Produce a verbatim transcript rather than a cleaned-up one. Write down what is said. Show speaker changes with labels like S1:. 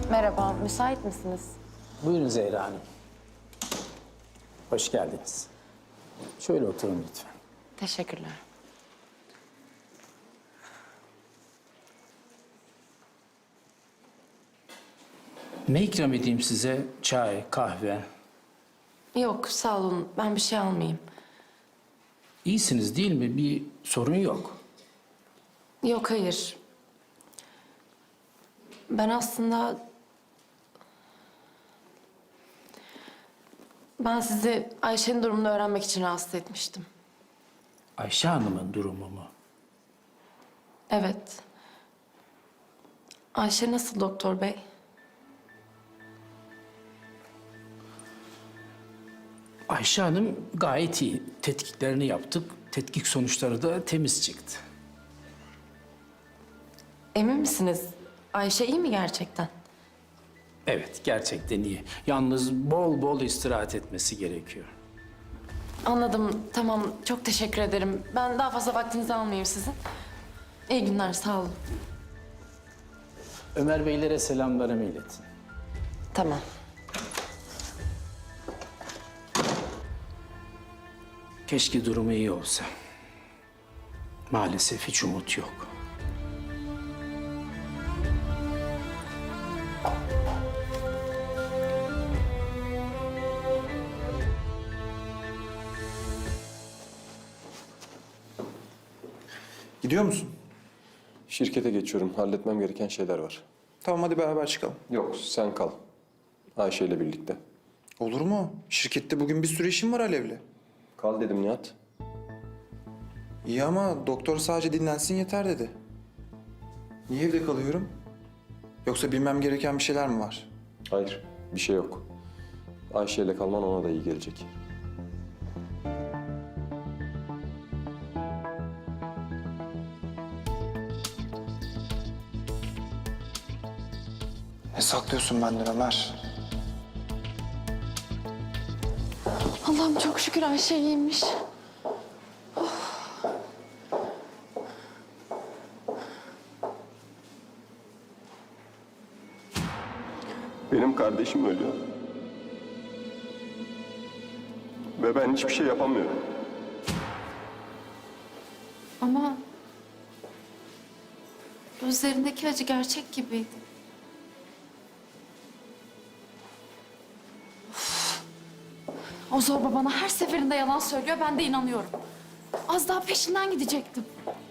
S1: Merhaba, müsait misiniz?
S2: Buyurun Zehra Hanım. Hoş geldiniz. Şöyle oturun lütfen.
S1: Teşekkürler.
S2: Ne ikram edeyim size? Çay, kahve.
S1: Yok, sağ olun. Ben bir şey almayayım.
S2: İyisiniz değil mi? Bir sorun yok.
S1: Yok, hayır. Ben aslında... Ben sizi Ayşe'nin durumunu öğrenmek için rahatsız etmiştim.
S2: Ayşe Hanım'ın durumu mu?
S1: Evet. Ayşe nasıl doktor bey?
S2: Ayşe Hanım gayet iyi. Tetkiklerini yaptık. Tetkik sonuçları da temiz çıktı.
S1: Emin misiniz? Ayşe iyi mi gerçekten?
S2: Evet, gerçekten iyi. Yalnız bol bol istirahat etmesi gerekiyor.
S1: Anladım. Tamam. Çok teşekkür ederim. Ben daha fazla vaktinizi almayayım sizin. İyi günler. Sağ olun.
S2: Ömer Beylere selamlarımı iletin.
S1: Tamam.
S2: Keşke durumu iyi olsa. Maalesef hiç umut yok.
S3: Gidiyor musun?
S4: Şirkete geçiyorum. Halletmem gereken şeyler var.
S3: Tamam hadi beraber çıkalım.
S4: Yok, sen kal. Ayşe ile birlikte.
S3: Olur mu? Şirkette bugün bir sürü işim var Alev'le.
S4: Kal dedim Nihat.
S3: İyi ama doktor sadece dinlensin yeter dedi. Niye evde kalıyorum? Yoksa bilmem gereken bir şeyler mi var?
S4: Hayır, bir şey yok. Ayşe ile kalman ona da iyi gelecek.
S3: Ne saklıyorsun benden Ömer?
S1: Allah'ım çok şükür Ayşe iyiymiş.
S4: Benim kardeşim ölüyor. Ve ben hiçbir şey yapamıyorum.
S1: Ama gözlerindeki acı gerçek gibiydi. Of. O zorba bana her seferinde yalan söylüyor, ben de inanıyorum. Az daha peşinden gidecektim.